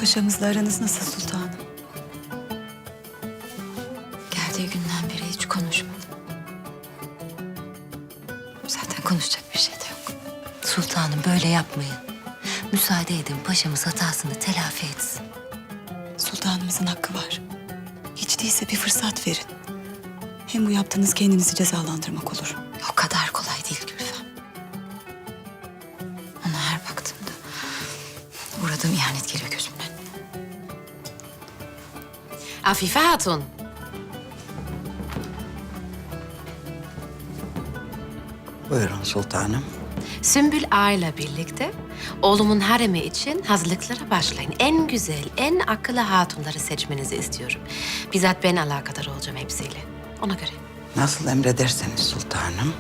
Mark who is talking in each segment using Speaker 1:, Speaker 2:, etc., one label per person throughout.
Speaker 1: Paşamızla aranız nasıl sultanım?
Speaker 2: Geldiği günden beri hiç konuşmadı. Zaten konuşacak bir şey de yok.
Speaker 3: Sultanım böyle yapmayın. Müsaade edin paşamız hatasını telafi etsin.
Speaker 1: Sultanımızın hakkı var. Hiç değilse bir fırsat verin. Hem bu yaptığınız kendinizi cezalandırmak olur.
Speaker 2: O kadar kolay değil Gülfem. Ona her baktığımda uğradığım ihanet geliyor gözümün önüne. Afife Hatun.
Speaker 4: Buyurun sultanım.
Speaker 5: Sümbül Ağa'yla birlikte oğlumun haremi için hazırlıklara başlayın. En güzel, en akıllı hatunları seçmenizi istiyorum. Bizzat ben alakadar olacağım hepsiyle. Ona göre.
Speaker 4: Nasıl emrederseniz sultanım.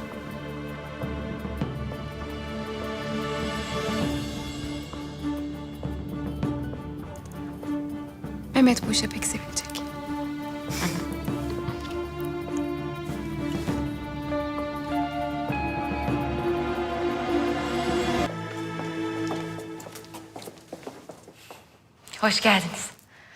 Speaker 6: Mehmet bu işe pek sevinecek.
Speaker 5: Hoş geldiniz.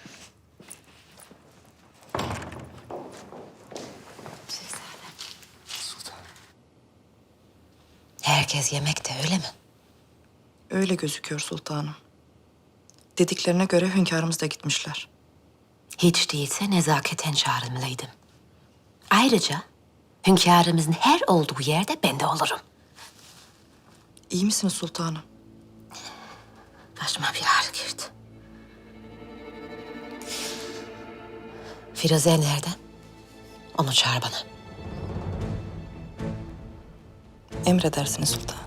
Speaker 3: Herkes yemekte öyle mi?
Speaker 7: Öyle gözüküyor sultanım. Dediklerine göre hünkârımız da gitmişler.
Speaker 5: Hiç değilse nezaketen çağrılmalıydım. Ayrıca hünkârımızın her olduğu yerde ben de olurum.
Speaker 7: İyi misiniz sultanım?
Speaker 5: Başıma bir ağrı girdi. Firuze nereden? Onu çağır bana.
Speaker 7: Emredersiniz sultanım.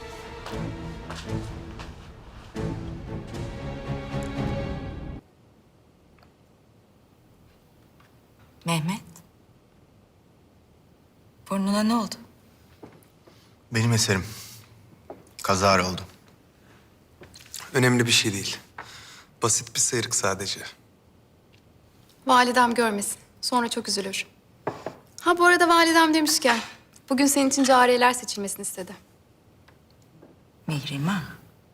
Speaker 2: Mehmet. Burnuna ne oldu?
Speaker 8: Benim eserim. Kazara oldu.
Speaker 9: Önemli bir şey değil. Basit bir sıyrık sadece.
Speaker 6: Validem görmesin. Sonra çok üzülür. Ha bu arada validem demişken bugün senin için cariyeler seçilmesini istedi.
Speaker 2: Mihrimah.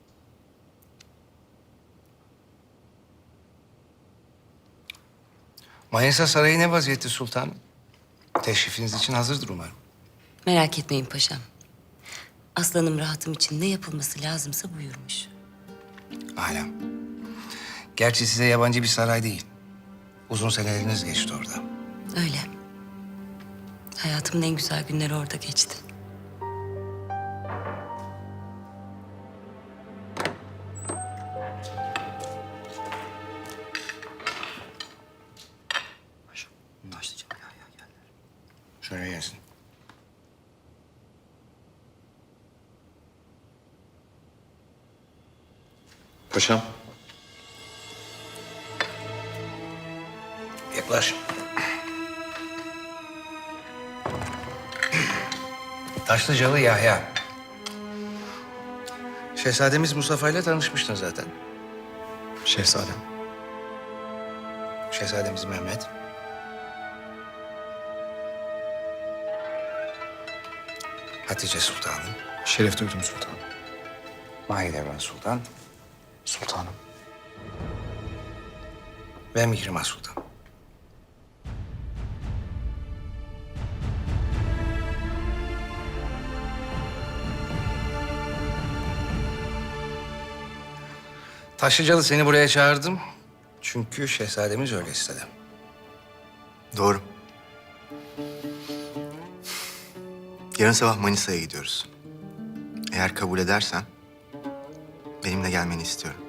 Speaker 10: Manisa Sarayı ne vaziyette sultanım? Teşrifiniz için hazırdır umarım.
Speaker 3: Merak etmeyin paşam. Aslanım rahatım için ne yapılması lazımsa buyurmuş.
Speaker 10: Alem. Gerçi size yabancı bir saray değil. Uzun seneleriniz geçti orada.
Speaker 3: Öyle. Hayatımın en güzel günleri orada geçti.
Speaker 10: Şöyle gelsin.
Speaker 9: Paşam.
Speaker 10: Yaklaş. Taşlıcalı Yahya. Şehzademiz Mustafa ile tanışmıştın zaten.
Speaker 9: Şehzadem.
Speaker 10: Şehzademiz Mehmet. Hatice Sultanım.
Speaker 9: Şeref duydum sultanım.
Speaker 10: Mahidevran Sultan
Speaker 9: Sultanım.
Speaker 10: ve Mihrimah Sultan. Taşlıcalı seni buraya çağırdım. Çünkü şehzademiz öyle istedi.
Speaker 8: Doğru. Yarın sabah Manisa'ya gidiyoruz. Eğer kabul edersen benimle gelmeni istiyorum.